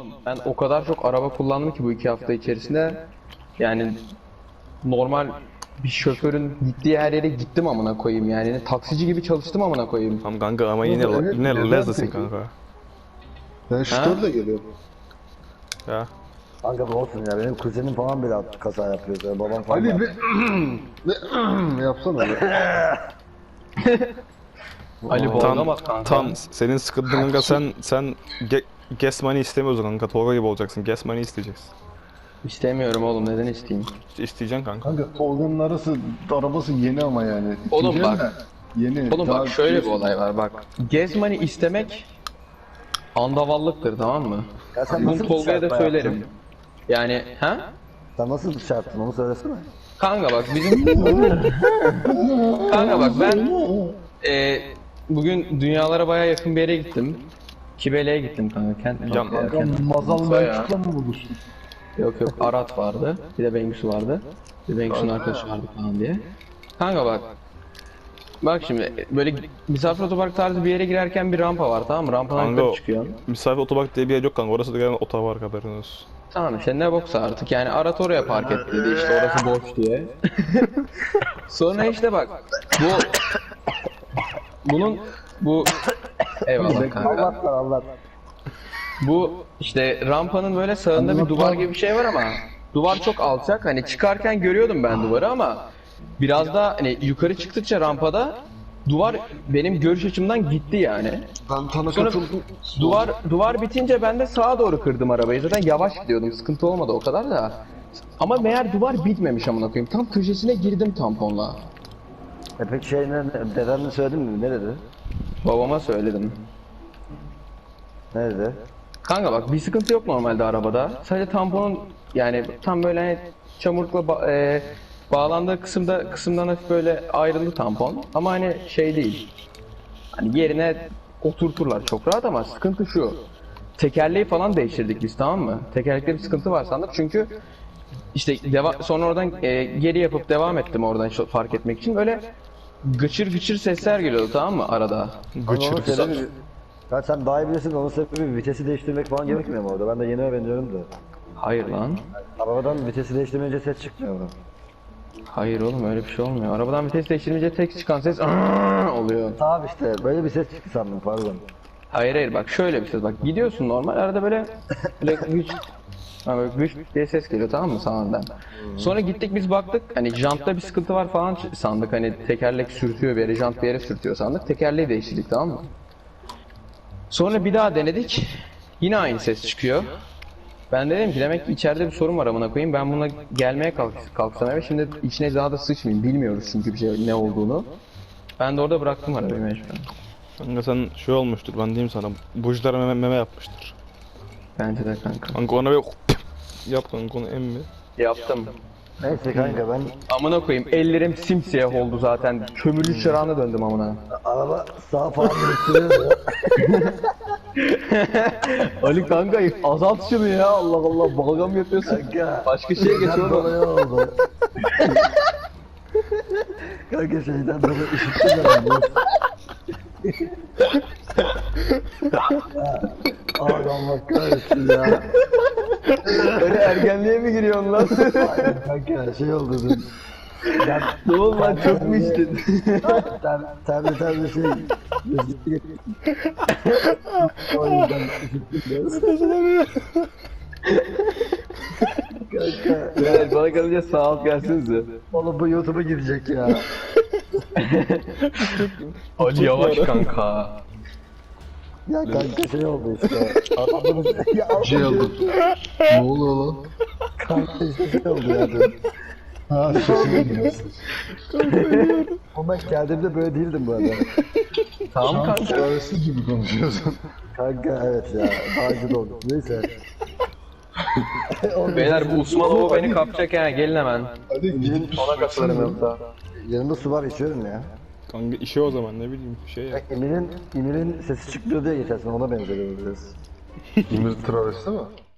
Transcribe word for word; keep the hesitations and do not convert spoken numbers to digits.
ben o kadar çok araba kullandım ki bu iki hafta içerisinde. Yani normal bir şoförün gittiği her yere gittim amına koyayım yani. Taksici gibi çalıştım amına koyayım. Tamam kanka ama yine Evet, yine neden lezzesin peki? kanka. Ben şutörle geliyorum. Ya. Kanka bu olsun ya, benim kuzenim falan bile kaza yapıyor ya, babam falan. Ali yapıyor. bir yapsana be. Ali Tam, boğulamaz kanka. tam senin sıkıntın kanka, sen sen ge gas money istemiyorsun kanka, Tolga gibi olacaksın, gas money isteyeceksin. İstemiyorum oğlum, neden isteyeyim? İsteyeceksin kanka. Kanka Tolga'nın arası arabası yeni ama yani. Oğlum İkinci bak. el de Yeni. Oğlum daha bak şöyle bir biliyorsun. olay var bak. Gezmani istemek andavallıktır, tamam mı? Ya sen Bunu nasıl bir Tolga'ya da çarpma söylerim. yaptın? Yani ha? Sen nasıl bir çarptın onu söylesene. Kanka bak bizim... Kanka bak ben... E, bugün dünyalara baya yakın bir yere gittim. Kibele'ye gittim kanka. Kent mi? Yan- Kent- Kanka Mazal Bayağı. Belçik'le mi buluştun? Yok yok, Arat vardı. Bir de Bengüsü vardı. Bir de Bengüsü'nün arkadaşı vardı falan diye. Kanka bak. Bak şimdi böyle misafir otopark tarzı bir yere girerken bir rampa var, tamam mı? Rampadan Kanka yukarı çıkıyorsun. misafir otopark diye bir yer yok kanka, orası da gelen otopark, haberin olsun. Tamam işte ne boksa artık yani Arat oraya park etti dedi işte orası boş diye. Sonra işte bak bu bunun bu eyvallah kanka. Allah var Allah. Bu işte rampanın böyle sağında bir duvar gibi bir şey var ama duvar çok alçak, hani çıkarken görüyordum ben duvarı ama biraz daha hani yukarı çıktıkça rampada duvar benim görüş açımdan gitti yani. Ben sana Sonra katıldım. duvar duvar bitince ben de sağa doğru kırdım arabayı. Zaten yavaş gidiyordum. Sıkıntı olmadı o kadar da. Ama meğer duvar bitmemiş amına koyayım. Tam köşesine girdim tamponla. E peki şey ne, dedenle söyledin mi? Ne dedi? Babama söyledim. Ne dedi? Kanka bak bir sıkıntı yok normalde arabada. Sadece tamponun yani tam böyle hani çamurlukla ba- e, bağlandığı kısımda kısımdan hafif böyle ayrıldı tampon. Ama hani şey değil. Hani yerine oturturlar çok rahat ama sıkıntı şu. Tekerleği falan değiştirdik biz, tamam mı? Tekerlekte bir sıkıntı var sandık çünkü işte deva- sonra oradan e, geri yapıp devam ettim oradan şu- fark etmek için. Böyle gıçır gıçır sesler geliyordu, tamam mı arada? Onun Gıçır. sebebi... Ya sen daha iyi bilirsin, onun sebebi vitesi değiştirmek falan gerekmiyor mu orada? Ben de yeni öğreniyorum da. Hayır lan. Arabadan vitesi değiştirmeyince ses çıkmıyor mu? Hayır oğlum, öyle bir şey olmuyor. Arabadan vites değiştirince tek çıkan ses "Aaah!" oluyor. Tamam işte, böyle bir ses çıktı sandım, pardon. Hayır hayır, bak şöyle bir ses, bak gidiyorsun normal arada böyle böyle güç ha, böyle güç diye ses geliyor, tamam mı sağından. Sonra gittik biz baktık hani jantta bir sıkıntı var falan sandık, hani tekerlek sürtüyor bir yere, jant bir yere sürtüyor sandık. Tekerleği değiştirdik, tamam mı? Sonra bir daha denedik. Yine aynı ses çıkıyor. Ben dedim ki demek ki içeride bir sorun var amına koyayım. Ben buna gelmeye kalk kalksam eve şimdi içine daha da sıçmayayım. Bilmiyoruz çünkü bir şey ne olduğunu. Ben de orada bıraktım arabayı mecburen. Kanka sen şey olmuştur, ben diyeyim sana, bujilara meme, meme yapmıştır. Bence de kanka. Kanka ona bir yap kanka, onu emmi. Yaptım. Neyse kanka, ben Amına koyayım ellerim simsiyah oldu zaten. Kömürlü çırağına döndüm amına. araba sağa falan dönüştürüyor ya. Ali kanka azalt şunu ya, Allah Allah, balgam yapıyorsun. Kanka. Başka şeye geç Şeyden oğlum. dolayı oldu. Kanka şeyden dolayı üşüttüm ben. Abi Allah kahretsin ya. Öyle ergenliğe mi giriyorsun lan? Aynen kanka, şey oldu dün. Ben Ne oldu lan, çok mu içtin? ter, terli terli şey. O yüzden üşüttüm biraz. Kanka. Evet, bana kalınca sağ alt gelsinize. Oğlum bu YouTube'a gidecek ya. Ali yavaş kanka. Ya kanka şey oldu işte. Adamın ya Şey oldu. Ne oluyor lan? kanka işte şey oldu ya dün. Ha sesini dinliyorsun. Ama ben geldiğimde böyle değildim bu arada. Tamam kanka. Çaresi gibi konuşuyorsun. Kanka evet ya, daha güzel oldu. Neyse. Beyler bu Usmanoğlu beni kapacak ha, gelin hemen. Hadi gidip Ona katılırım yoksa. Yanımda su var, içiyorum ya. Kanka işe o zaman, ne bileyim şey ya. Emir'in, Emir'in sesi çıkmıyor diye geçersin, ona benziyor biraz. İmir travesti mi?